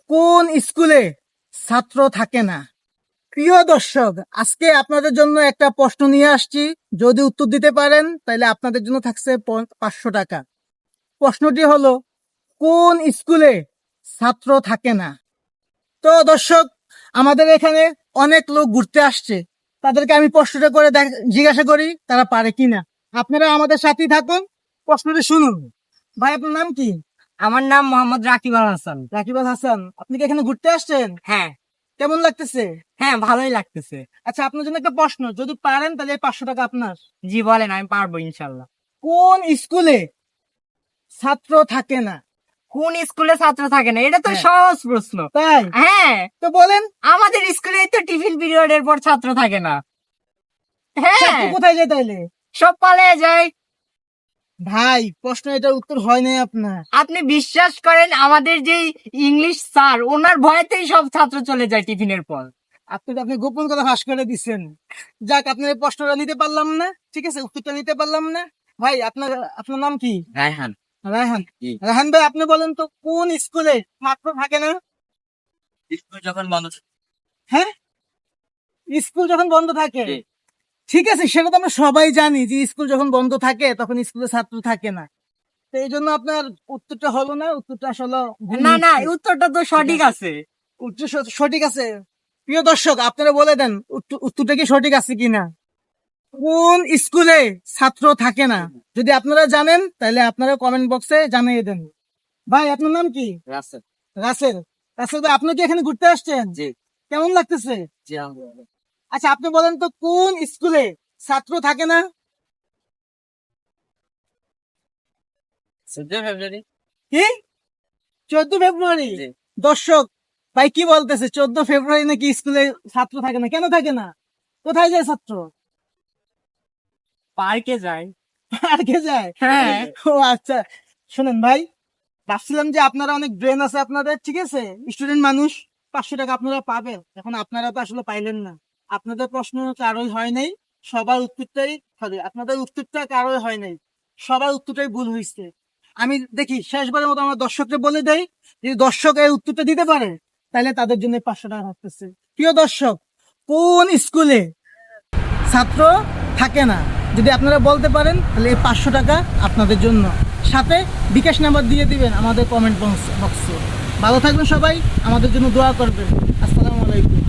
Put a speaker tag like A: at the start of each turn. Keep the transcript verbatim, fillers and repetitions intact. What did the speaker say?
A: কোন স্কুলে ছাত্র থাকে না? প্রিয় দর্শক, আজকে আপনাদের জন্য একটা প্রশ্ন নিয়ে আসছি। যদি উত্তর দিতে পারেন তাহলে আপনাদের জন্য থাকছে প- পাঁচশো টাকা। প্রশ্নটি হলো, কোন স্কুলে ছাত্র থাকে না? তো দর্শক, আমাদের এখানে অনেক লোক ঘুরতে আসছে, তাদেরকে আমি প্রশ্নটা করে দেখ- জিজ্ঞাসা করি তারা পারে কিনা। আপনারা আমাদের সাথেই থাকুন, প্রশ্নটি শুনুন। ভাই, আপনার নাম কি?
B: আমার নাম মোহাম্মদ রাকিব আল হাসান।
A: রাকিব আল হাসান। আপনি কি এখানে ঘুরতে আসছেন?
B: হ্যাঁ
A: কেমন লাগতেছে?
B: হ্যাঁ ভালোই লাগতেছে।
A: আচ্ছা, আপনার জন্য একটা প্রশ্ন, যদি পারেন তাহলে এই পাঁচশো টাকা আপনার।
B: জি বলেন, আমি পারবো ইনশাল্লাহ।
A: কোন স্কুলে ছাত্র থাকে না?
B: কোন স্কুলে ছাত্র থাকে না? এটা তো
A: হ্যাঁ।
B: সহজ প্রশ্ন।
A: তাই?
B: হ্যাঁ,
A: তো বলেন।
B: আমাদের স্কুলে তো টিফিন পিরিয়ডের পর ছাত্র থাকে না। হ্যাঁ,
A: ছাত্র কোথায় যায় তাইলে?
B: সব পালিয়ে যায়।
A: ভাই, প্রশ্ন এটার উত্তর হয় নাই আপনার।
B: আপনি বিশ্বাস করেন, আমাদের যে ইংলিশ স্যার, ওনার ভয়েতেই সব ছাত্র চলে যায় টিফিনের পর।
A: আপনি তো আপনি গোপন কথা ফাঁস করে দিচ্ছেন। যাক, আপনার এই প্রশ্নটা নিতে পারলাম না, ঠিক আছে, উত্তরটা নিতে পারলাম না। ভাই, আপনার আপনার নাম কি?
B: রায়হান।
A: রায়হান।
B: জি।
A: রায়হান ভাই, আপনি বলেন তো, কোন স্কুলে ছাত্র থাকে না?
B: স্কুল যখন বন্ধ।
A: হ্যাঁ, স্কুল যখন বন্ধ থাকে।
B: জি।
A: ঠিক আছে, সেটা তো আমরা সবাই জানি যে স্কুল যখন বন্ধ থাকে তখন স্কুলে ছাত্র থাকে না। তো এই জন্য আপনার উত্তরটা হলো না, উত্তরটা আসলে ভুল
B: না না,
A: হচ্ছে।
B: উত্তরটা তো সঠিক আছে।
A: উত্তর স- সঠিক আছে। প্রিয় দর্শক, আপনারা বলে দেন উত্তর- উত্তরটা কি সঠিক আছে কিনা। কোন স্কুলে ছাত্র থাকে না? যদি আপনারা জানেন তাহলে আপনারা কমেন্ট বক্সে জানিয়ে দেন। ভাই, আপনার নাম কি?
B: রাসেল।
A: রাসেল। রাসেল ভাই, আপনি কি এখানে ঘুরতে আসছেন?
B: জি।
A: কেমন লাগতেছে?
B: জি।
A: আচ্ছা, আপনি বলেন তো, কোন স্কুলে ছাত্র থাকে না?
B: চোদ্দ ফেব্রুয়ারি।
A: কি? চোদ্দ ফেব্রুয়ারি?
B: জি।
A: দর্শক, ভাই কি বলতেছে? চোদ্দ ফেব্রুয়ারি নাকি স্কুলে ছাত্র থাকে না? কেন থাকে না? কোথায় যায় ছাত্র?
B: পার্কে যায়।
A: পার্কে যায়?
B: হ্যাঁ।
A: ও আচ্ছা। শুনেন ভাই, ভাবছিলাম যে আপনারা অনেক ব্রেন আছে আপনাদের, ঠিক আছে, স্টুডেন্ট মানুষ, পাঁচশো টাকা আপনারা পাবেন। এখন আপনারা তো আসলে পাইলেন না। আপনাদের প্রশ্ন কারোই হয় নাই, সবার উত্তরটাই সরি আপনাদের উত্তরটা কারোই হয় নাই, সবার উত্তরটাই ভুল হয়েছে। আমি দেখি শেষবারের মতো আমার দর্শককে বলে দেই, যদি দর্শক এই উত্তরটা দিতে পারে তাহলে তাদের জন্য পাঁচশো টাকা থাকতেছে। প্রিয় দর্শক, কোন স্কুলে ছাত্র থাকে না? যদি আপনারা বলতে পারেন তাহলে এই পাঁচশো টাকা আপনাদের জন্য। সাথে বিকাশ নাম্বার দিয়ে দিবেন আমাদের কমেন্ট বক্সে। ভালো থাকবেন সবাই, আমাদের জন্য দোয়া করবেন। আসসালামু আলাইকুম।